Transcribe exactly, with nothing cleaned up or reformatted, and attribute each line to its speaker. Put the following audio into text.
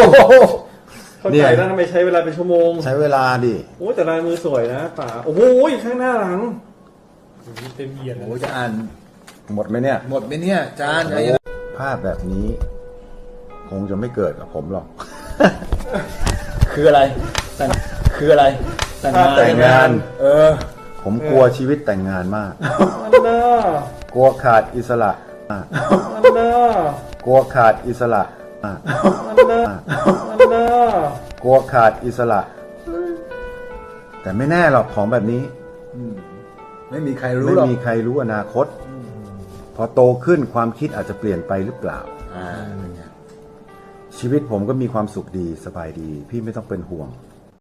Speaker 1: เข้าใจแล้วทำไมใช้เวลาเป็นชั่วโมง
Speaker 2: ใช้เวลาดิ
Speaker 1: โอ้แต่ลายมือสวยนะป๋าโอ้โหข้างหน้าหลังเต็มเอียด
Speaker 3: โอ้จะอ่าน
Speaker 2: หมดไหมเนี่ย
Speaker 3: หมดไหมเนี่ยจาน
Speaker 2: ภาพแบบนี้คงจะไม่เกิดกับผมหรอก
Speaker 3: คืออะไรแต่งคืออะไรแต่งงาน
Speaker 2: แต่งงาน
Speaker 3: เออ
Speaker 2: ผมกลัวชีวิตแต่งงานมาก
Speaker 1: มันน่าก
Speaker 2: ลัวขาดอิสระมาก
Speaker 1: มันน่าก
Speaker 2: ลัวขาดอิสระมาก
Speaker 1: มันน่ามันน่าก
Speaker 2: ลัวขาดอิสระ แต่ไม่แน่หรอกของแบบนี้
Speaker 3: ไม่มีใครรู้
Speaker 2: ไม่
Speaker 3: หรอก
Speaker 2: มีใครรู้อนาคต พอโตขึ้นความคิดอาจจะเปลี่ยนไปหรือเปล่า
Speaker 3: อ่า
Speaker 2: ชีวิตผมก็มีความสุขดีสบายดี พี่ไม่ต้องเป็นห่วง